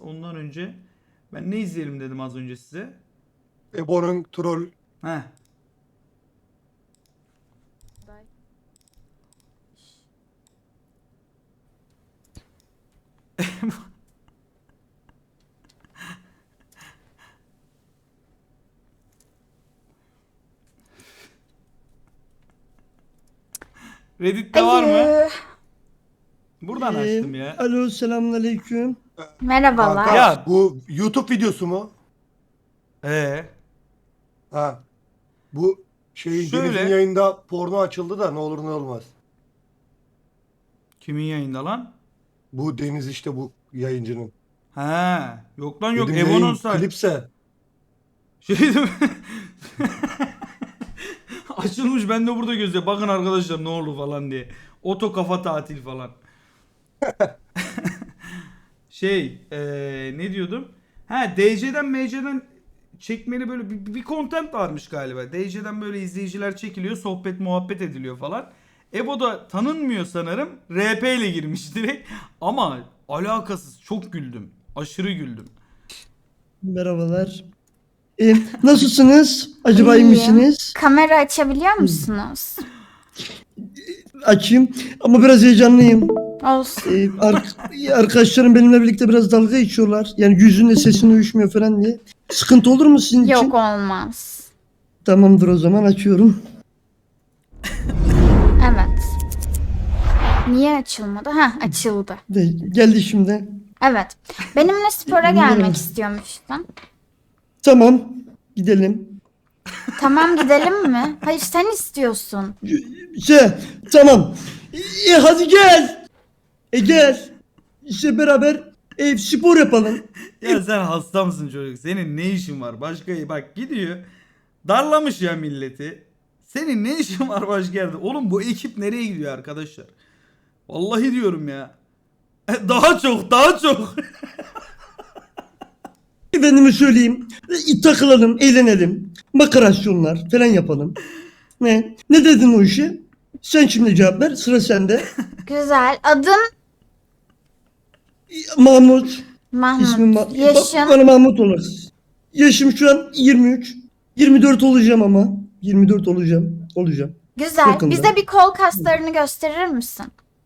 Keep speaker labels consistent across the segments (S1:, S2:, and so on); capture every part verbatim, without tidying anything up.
S1: ondan önce ben ne izleyelim dedim az önce size.
S2: Ebo'nun troll.
S1: Heh. Reddit'te var mı?
S3: Alo.
S1: Buradan
S4: Ee,
S1: açtım ya.
S4: Alo, selamünaleyküm.
S3: Merhabalar.
S2: Kanka,
S1: Ya.
S2: bu YouTube videosu mu?
S1: Ee,
S2: Ha. Bu şeyin
S1: Şöyle.
S2: Deniz'in yayında porno açıldı da ne olur ne olmaz.
S1: kimin yayında lan?
S2: Bu Deniz işte bu yayıncının.
S1: He, yok lan yok.
S2: Dedim
S1: Evo'nun
S2: yayın
S1: say.
S2: klipse.
S1: Şey değil mi? Açılmış, ben de burada gözle. Bakın arkadaşlar ne oldu falan diye. Oto kafa tatil falan. Şey, eee, ne diyordum? Ha, D C'den M C'den çekmeli böyle bir, bir content varmış galiba. D C'den böyle izleyiciler çekiliyor, sohbet muhabbet ediliyor falan. Ebo da tanınmıyor sanırım. R P ile girmiş direkt. Ama alakasız, çok güldüm. Aşırı güldüm.
S4: Merhabalar. Ee, nasılsınız? Acaba iyi
S3: İyiyim.
S4: misiniz?
S3: Kamera açabiliyor musunuz?
S4: Açayım ama biraz heyecanlıyım.
S3: Olsun.
S4: Ee, ar- arkadaşlarım benimle birlikte biraz dalga geçiyorlar. Yani yüzünle sesin uyuşmuyor falan diye. Sıkıntı olur mu sizin için?
S3: Yok, olmaz.
S4: Tamamdır, o zaman açıyorum.
S3: Evet. Niye açılmadı? Ha, açıldı.
S4: De, geldi şimdi.
S3: Evet. Benimle spora
S4: Bilmiyorum.
S3: gelmek istiyormuştun.
S4: Tamam, gidelim.
S3: Tamam, gidelim mi? Hayır, sen istiyorsun.
S4: Şey, tamam. E, hadi gel. E gel. İşte beraber e, spor yapalım.
S1: Ya sen hasta mısın çocuk? Senin ne işin var? Başka bak gidiyor. Darlamış ya milleti. Senin ne işin var başka yerde? Oğlum bu ekip nereye gidiyor arkadaşlar? Vallahi diyorum ya. Daha çok, daha çok.
S4: Efendime söyleyeyim. E, takılalım, eğlenelim. Makarasyonlar falan yapalım. Ne? Ne dedin o işe? Sen şimdi cevap ver. Sıra sende.
S3: Güzel. Adın
S4: E, Mahmut.
S3: Mahmut.
S4: İsmim Ma-
S3: Yaşın.
S4: Ba- Bana Mahmut olasın. Yaşım şu an yirmi üç. yirmi dört olacağım ama. yirmi dört olacağım. Olacağım.
S3: Güzel.
S4: yakında.
S3: Bize bir kol kaslarını gösterir misin?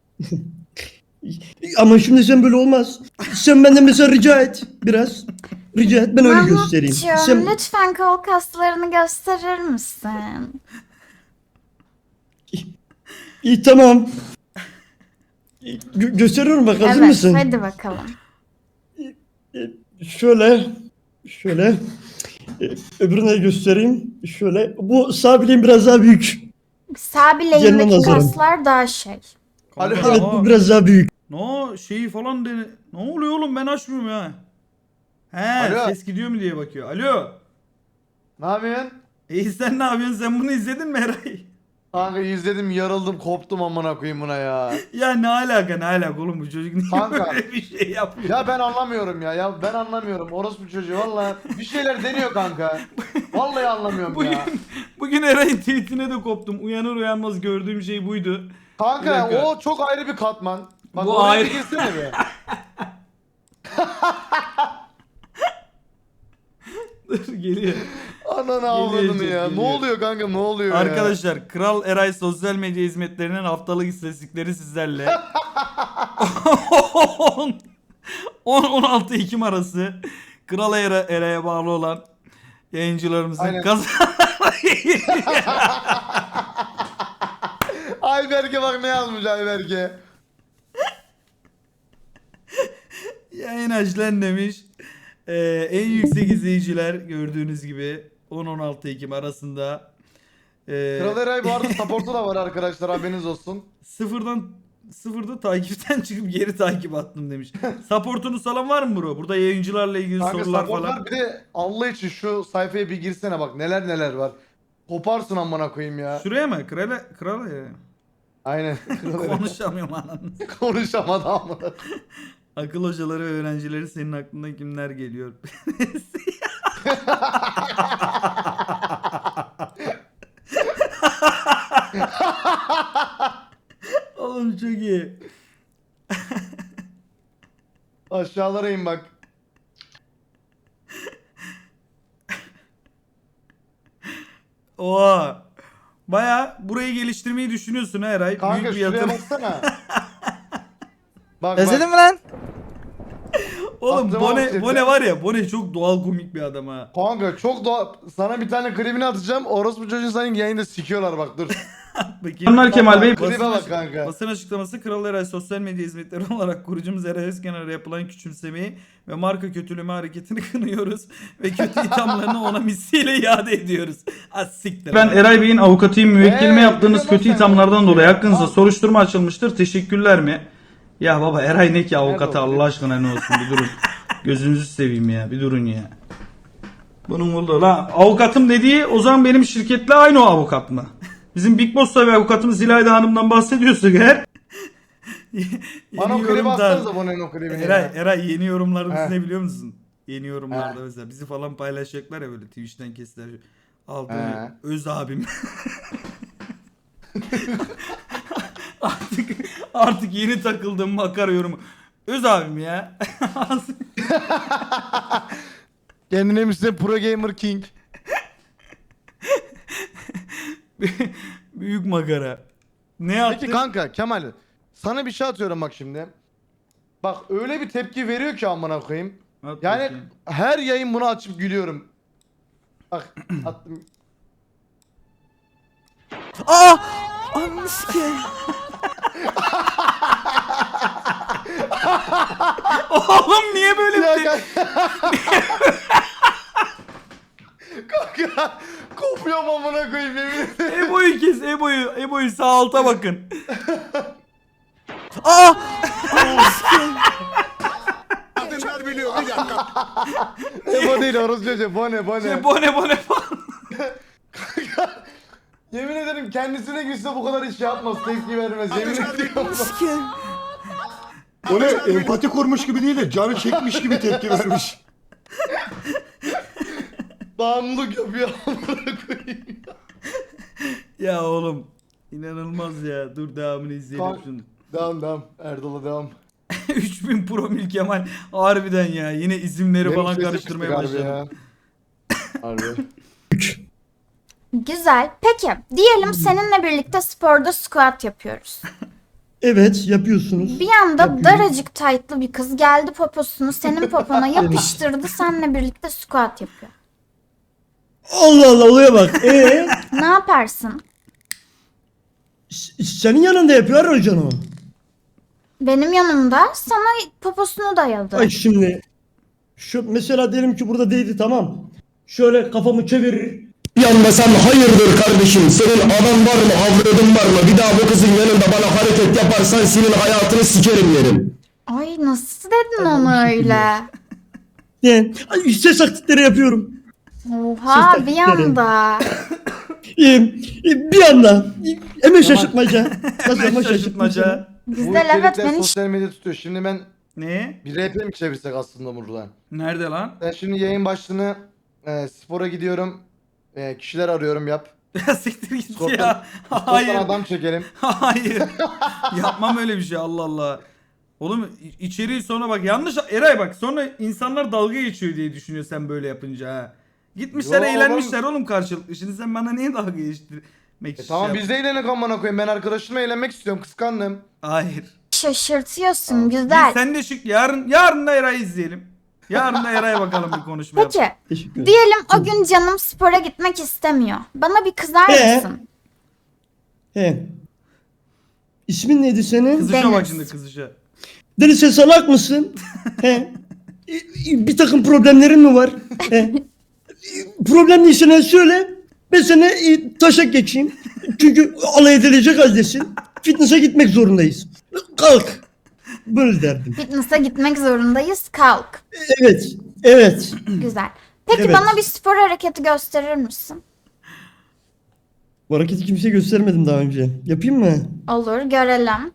S4: E, Ama şimdi sen böyle olmaz. Sen benden mesela rica et biraz. Rica et, ben öyle göstereyim.
S3: Mahmutcuğum,
S4: Sen...
S3: lütfen kol kaslarını gösterir misin?
S4: İyi, tamam. E, gö- gösteriyorum bak, hazır
S3: Evet,
S4: mısın?
S3: hadi bakalım.
S4: Şöyle, şöyle. E, öbürüne göstereyim. Şöyle. Bu sağ bileğim biraz daha büyük.
S3: Sağ
S4: Gelme
S3: bileğimdeki
S4: nazarım.
S3: kaslar daha şey.
S1: Kanka,
S4: Evet,
S1: aa,
S4: bu biraz daha büyük.
S1: No şeyi falan dene. Ne oluyor oğlum, ben açmıyorum ya. He,
S5: Alo.
S1: ses gidiyor mu diye bakıyor. Alo.
S5: Ne yapıyorsun?
S1: İyi, sen ne yapıyorsun? Sen bunu izledin mi Eray?
S5: Kanka izledim, yarıldım, koptum amına koyayım buna ya.
S1: Ya ne alaka, ne alaka oğlum, bu çocuk niye
S5: Kanka.
S1: böyle bir şey yapıyor?
S5: Ya ben anlamıyorum ya. Ya ben anlamıyorum. Orospu çocuğu valla bir şeyler deniyor kanka. Vallahi anlamıyorum
S1: Bugün,
S5: ya.
S1: bugün Eray'ın tweetine de koptum. Uyanır uyanmaz gördüğüm şey buydu. Bir
S5: Kanka
S1: dakika.
S5: o çok ayrı bir katman. Bak
S1: Bu
S5: oraya
S1: ayrı-
S5: bir girsene be.
S1: Dur geliyor.
S5: Ananı avradını
S1: Gelecek,
S5: ya.
S1: geliyor.
S5: Ne oluyor kanka, ne oluyor ya?
S1: Arkadaşlar, Kral Eray sosyal medya hizmetlerinin haftalık istatistikleri sizlerle. on on altı Ekim arası Kral Era- Eray'a bağlı olan yayıncılarımızın
S5: Aynen.
S1: kazananları
S5: Ayberk'e bak ne yazmış Ayberk'e.
S1: yayın açılan demiş. Ee, en yüksek izleyiciler gördüğünüz gibi on on altı Ekim arasında. Ee,
S5: Kral Eray bu arada support'u da var arkadaşlar, haberiniz olsun.
S1: Sıfırdan sıfırda takipten çıkıp geri takip attım demiş. Supportunuz falan var mı bro? Burada yayıncılarla ilgili
S5: Kanka
S1: sorular
S5: supportlar
S1: falan.
S5: bir de Allah için şu sayfaya bir girsene, bak neler neler var. Koparsın amına koyayım ya.
S1: Şuraya mı? Krala, krala ya.
S5: Aynen. Kral Eray.
S1: Konuşamıyorum ananı.
S5: Konuşamadı amına.
S1: Akıl hocaları ve öğrencileri senin aklına kimler geliyor? Oğlum çok iyi.
S5: Aşağılara in bak.
S1: Oha. Baya burayı geliştirmeyi düşünüyorsun ha Eray.
S5: Kanka
S1: Büyük bir
S5: şuraya
S1: yatırım.
S5: baksana. Bak
S6: Özledin
S5: bak.
S6: mi lan?
S1: Oğlum
S5: Aklıma
S1: Bone,
S5: bak
S1: Bone
S5: dedi.
S1: var ya, Bone çok doğal komik bir adam ha.
S5: Kanka çok doğal. Sana bir tane klibini atacağım. Orospu çocuğu senin yayında sikiyorlar bak dur.
S1: Kemal Kemal Bey.
S5: Klibe
S1: Basın,
S5: bak
S1: açık-
S5: kanka.
S1: basın açıklaması Kral Eray sosyal medya hizmetleri olarak kurucumuz Eray Özkenar'a yapılan küçümsemeyi ve marka kötüleme hareketini kınıyoruz ve kötü ithamlarını ona misliyle iade ediyoruz. Az siktir. Ben Eray Bey'in avukatıyım, müvekkilime
S5: Ee,
S1: yaptığınız
S5: biliyorum
S1: kötü
S5: sen
S1: ithamlardan
S5: bunu.
S1: dolayı hakkınızda
S5: Al.
S1: soruşturma açılmıştır. Teşekkürler mi? Ya baba Eray ne ki avukatı,
S5: Nerede o?
S1: Allah aşkına ne olsun, bir durun. Gözünüzü seveyim ya, bir durun ya. Bunun oldu la. Avukatım dediği o zaman benim şirketle aynı o avukat mı? Bizim Big Boss'ta ve avukatımız İlayda Hanım'dan bahsediyorsak eğer.
S5: Bana o
S1: Yeni
S5: klibi
S1: yorumlar-
S5: atsanıza Bono'nun o klibini
S1: Eray,
S5: ya.
S1: Eray yeni yorumlarımız
S5: He.
S1: ne biliyor musun? Yeni yorumlarda
S5: He.
S1: mesela bizi falan paylaşacaklar ya böyle Twitch'ten kestiler. Aldı
S5: He.
S1: öz abim. artık artık yeni takıldığım makara yorumu. Öz abim ya.
S5: Kendine misin Pro Gamer King.
S1: Büyük makara. Ne yaptın?
S5: Peki kanka Kemal sana bir şey atıyorum bak şimdi. Bak öyle bir tepki veriyor ki amına koyayım.
S1: At
S5: Yani
S1: bakayım.
S5: her yayın bunu açıp gülüyorum. Bak attım.
S6: Aa! Ananı sikeyim.
S1: Oğlum niye böyle bir
S5: Ya
S1: şey?
S5: kanka. Kanka kopuyorum amına koyayım yemin ederim.
S1: Ebo'yu kes, Ebo'yu. Ebo'yu sağ alta bakın.
S6: Aa! Ananı sikeyim.
S2: Kadınlar biliyor bir dakika.
S5: Ebo değil orası çocuğu Bone Bone.
S1: Şey, bone bone falan.
S5: Yemin ederim kendisine gülse bu kadar iş yapmaz tepki vermez yemin ediyorum.
S6: Ananı sikeyim.
S2: O ne empati kurmuş gibi değil de canı çekmiş gibi tepki vermiş.
S5: Bağımlılık yapıyor amına koyayım.
S1: Ya oğlum. İnanılmaz ya. Dur devamını izleyelim
S5: Kanka-
S1: şunu.
S5: Devam devam Erdal'a devam.
S1: üç bin promil Kemal. Harbiden ya. Yine isimleri
S5: Benim
S1: falan
S5: sesim
S1: karıştırmaya
S5: çıktı galiba
S1: başladım.
S5: ya. Harbi.
S3: Güzel. Peki diyelim seninle birlikte sporda squat yapıyoruz.
S4: Evet yapıyorsunuz.
S3: Bir anda
S4: Yapıyorum.
S3: daracık taytlı bir kız geldi poposunu senin popona yapıştırdı. Seninle birlikte squat yapıyor.
S4: Allah Allah olaya bak. Ee,
S3: Ne yaparsın?
S4: s- senin yanında yapıyor hocan o.
S3: Benim yanımda sana poposunu dayadı.
S4: Ay şimdi şu mesela diyelim ki burada değildi tamam. Şöyle kafamı çevirir. Bir anda sen hayırdır kardeşim senin adam var mı avradın var mı bir daha bu kızın yanında bana hareket yaparsan senin hayatını sikerim derim.
S3: Ay nasıl dedin onu
S4: bu şekilde.
S3: öyle?
S4: Yani ay, ses taklitleri yapıyorum.
S3: Oha
S4: Siz
S3: bir
S4: de-
S3: anda.
S4: Ee, e, bir anda e, hemen şaşırtmaca. Nasıl ama şaşırtmaca.
S1: Şaşırtmaca.
S5: Bu
S3: Güzel evet
S5: içerikler
S3: ben hiç
S5: sosyal medya tutuyor. Şimdi ben
S1: Ne?
S5: bir R P mi çevirsek aslında buradan?
S1: Nerede lan?
S5: Ben şimdi yayın başlığını e, spora gidiyorum. E, kişiler arıyorum yap.
S1: Ya siktir git
S5: Skortan-
S1: ya.
S5: Hayır.
S1: Hayır.
S5: adam çekelim.
S1: Hayır. Yapmam öyle bir şey, Allah Allah. Oğlum i- içeriği sonra bak yanlış Eray bak sonra insanlar dalga geçiyor diye düşünüyor sen böyle yapınca ha. Gitmişler
S5: Yo,
S1: eğlenmişler oğlum karşılıklı. Şimdi sen bana niye dalga geçtirmek
S5: E,
S1: için
S5: tamam
S1: şey
S5: biz de eğlenek amına koyayım. Ben arkadaşımla eğlenmek istiyorum. Kıskandım.
S1: yap- Hayır.
S3: şaşırtıyorsun
S1: Biz
S3: güzel.
S1: sen de şık yarın yarın da Eray'ı izleyelim. Yarın da Eray'a bakalım bir konuşma yap.
S3: Peki
S4: Teşekkür ederim.
S3: diyelim o gün canım spora gitmek istemiyor. Bana bir kızar
S4: Ee?
S3: mısın?
S4: He. İsmin neydi senin?
S1: Kızışa bak
S3: Deniz.
S1: şimdi kızışa.
S4: Deniz sen salak mısın? He. E, e, Bir takım problemlerin mi var? He. E, Problemliyse ne söyle. Ben sana e, taşak geçeyim. Çünkü alay edilecek haldesin. Fitness'a gitmek zorundayız. Kalk. Böyle derdim.
S3: Fitness'a gitmek zorundayız kalk.
S4: Evet. Evet.
S3: Güzel. Peki
S4: Evet.
S3: bana bir spor hareketi gösterir misin?
S4: Bu hareketi kimseye göstermedim daha önce. Yapayım mı?
S3: Olur görelim.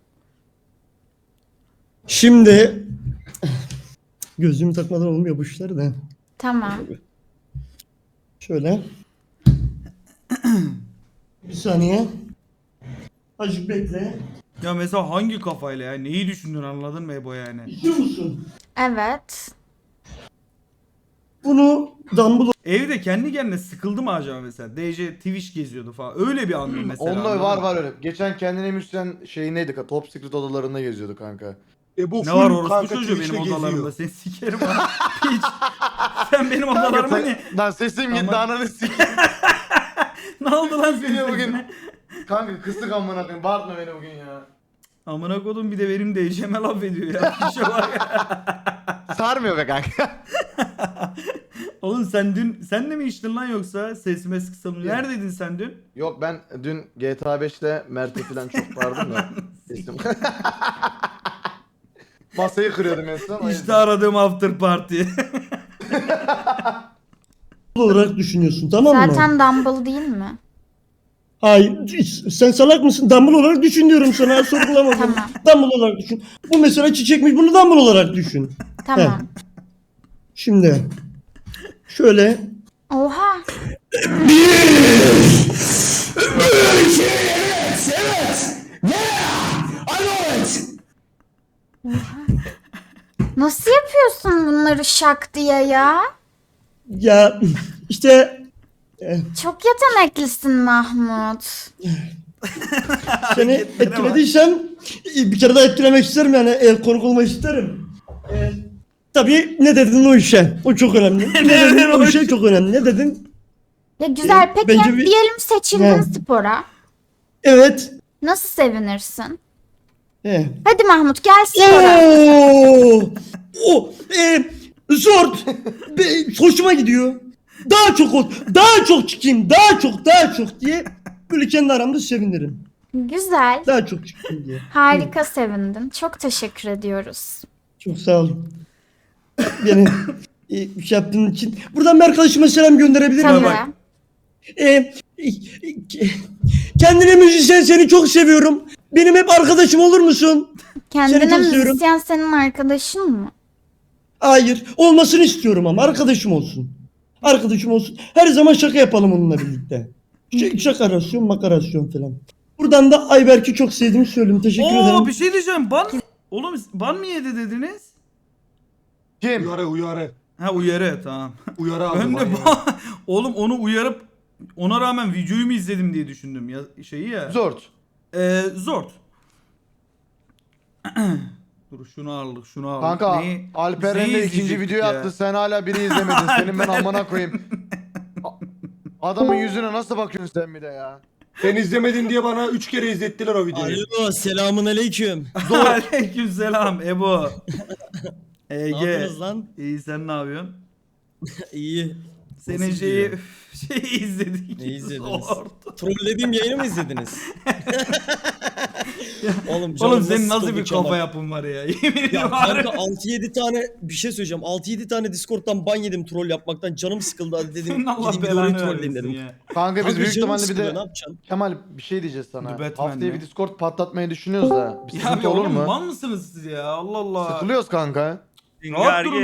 S4: Şimdi gözlüğümü takmadan olmuyor bu işler de.
S3: Tamam.
S4: Şöyle. Bir saniye. Azıcık bekle.
S1: Ya mesela hangi kafayla ya? Neyi düşündün anladın mı Ebo yani?
S4: İstiyor musun?
S3: Evet.
S4: Bunu dumbbell
S1: evde kendi kendine sıkıldı mı acaba mesela? D J Twitch geziyordu falan. Öyle bir anı mesela.
S5: Onda
S1: anladın
S5: var
S1: mı?
S5: var öyle. Geçen kendine müzisyen şeyindeydi. Top Secret odalarında geziyordu kanka.
S2: E bu
S1: Ne
S2: full
S1: var orospu
S2: kanka
S1: çocuğu benim
S2: Twitch'te
S1: odalarımda.
S2: geziyor.
S1: Seni sikerim ha. Hiç. Sen benim odalarıma ne?
S5: Lan sesim gitti
S1: Ama-
S5: ananı sikeyim.
S1: Ne oldu lan senin
S5: Bugün
S1: sesine?
S5: kanka kısık amına koyayım. Bağırtma beni bugün ya.
S1: Amına kodum bir de benim D J'me laf ediyor ya. Bir şey var ya.
S5: Sarmıyor be kanka.
S1: Oğlum sen dün sen de mi içtin lan yoksa sesime kısalım. Neredeydin sen dün?
S5: Yok ben dün G T A beşte Mert'e falan çok bağırdım da. Sesim. Masayı kırıyordum en son. o
S1: İşte
S5: yüzden.
S1: aradığım after party.
S4: olarak düşünüyorsun, tamam mı?
S3: Zaten Dumble değil mi?
S4: Hayır, sen salak mısın? Dumble olarak düşün diyorum sana, sorgulamadım.
S3: Tamam.
S4: Dumble olarak düşün. Bu mesela çiçekmiş, bunu Dumble olarak düşün.
S3: Tamam.
S4: Şimdi şöyle
S3: Oha. Nasıl yapıyorsun bunları şak diye ya?
S4: ya işte
S3: Çok yeteneklisin Mahmut.
S4: seni etkilediysem bir kere daha etkilemek isterim, yani el konuk olmak isterim. E, tabii ne dedin o işe? O çok önemli. ne dedin o işe çok önemli. Ne dedin?
S3: Ya güzel, peki
S4: bence bir-
S3: diyelim seçildin
S4: Ne?
S3: spora.
S4: Evet.
S3: Nasıl sevinirsin?
S4: He.
S3: Hadi Mahmut gel spora.
S4: Oo! O e, zor. Be- hoşuma gidiyor. Daha çok ol, daha çok çıkayım, daha çok, daha çok diye böyle kendi aramda sevinirim.
S3: Güzel.
S4: Daha çok çıkayım diye.
S3: Harika sevindin. Çok teşekkür ediyoruz.
S4: Çok sağ olun. Beni e, şey yaptığın için. Buradan bir arkadaşıma selam gönderebilir miyim?
S3: Tabii.
S1: bak.
S4: E, e, kendine müzisyen, seni çok seviyorum. Benim hep arkadaşım olur musun?
S3: Kendine
S4: Seni çok seviyorum.
S3: müzisyen senin arkadaşın mı?
S4: Hayır. Olmasını istiyorum ama arkadaşım olsun. Arkadaşım olsun. Her zaman şaka yapalım onunla birlikte. Ş- şakarasyon, makarasyon falan. Buradan da Ayberk'i çok sevdiğimi söyleyeyim. Teşekkür
S1: Oo
S4: ederim.
S1: bir şey diyeceğim. Ban Oğlum ban mı yedi dediniz?
S5: Kim?
S2: Uyarı uyarı.
S1: Ha uyarı tamam.
S2: Uyarı aldım.
S1: Ben de
S2: aynen.
S1: ba- oğlum onu uyarıp ona rağmen videoyu mu izledim diye düşündüm ya şeyi ya.
S5: Zort.
S1: Ee, zor. Dur şunu aldık şunu aldık.
S5: Kanka
S1: Neyi-
S5: Alperen
S1: neyi
S5: de ikinci
S1: izleyecektik
S5: videoyu
S1: ya?
S5: attı. Sen hala biri izlemedin. Senin ben amına koyayım. A- Adamın yüzüne nasıl bakıyorsun sen bir de ya?
S2: Sen izlemedin diye bana üç kere izlettiler o videoyu.
S6: Alo selamun aleyküm.
S1: Aleykümselam Ebo.
S6: Ne
S1: Ege.
S6: yapıyorsunuz lan?
S1: İyi sen ne yapıyorsun?
S6: İyi.
S1: Senin
S6: Nasıl
S1: şeyi
S6: gidiyor?
S1: şeyi izledik.
S6: Ne izlediniz?
S1: Zor.
S6: Trollediğim yayını mı izlediniz? Oğlum,
S1: Oğlum senin nasıl
S6: sıkıldı
S1: bir
S6: Kemal.
S1: kafa yapın var ya. Yemin
S6: Ya
S1: ediyorum.
S6: kanka
S1: harbi.
S6: altı yedi tane bir şey söyleyeceğim. altı yedi tane Discord'dan ban yedim troll yapmaktan. Canım sıkıldı, hadi dedim.
S1: Senin Allah
S6: Gideyim bir de orayı
S1: belanı
S6: trolleyim
S1: vermesin
S6: dedim.
S1: ya.
S5: Kanka biz
S6: Kanka
S5: büyük
S6: canım
S5: ihtimalle bir
S6: sıkılıyor,
S5: de
S6: ne yapacaksın?
S5: Kemal bir şey diyeceğiz sana.
S1: The Batman
S5: Haftaya
S1: mi?
S5: bir Discord patlatmayı düşünüyoruz da. Bir
S1: Ya
S5: sıkıntı
S1: abi
S5: olur
S1: oğlum
S5: mu?
S1: mal mısınız siz ya? Allah Allah.
S5: Sıkılıyoruz kanka.
S1: Rahat durun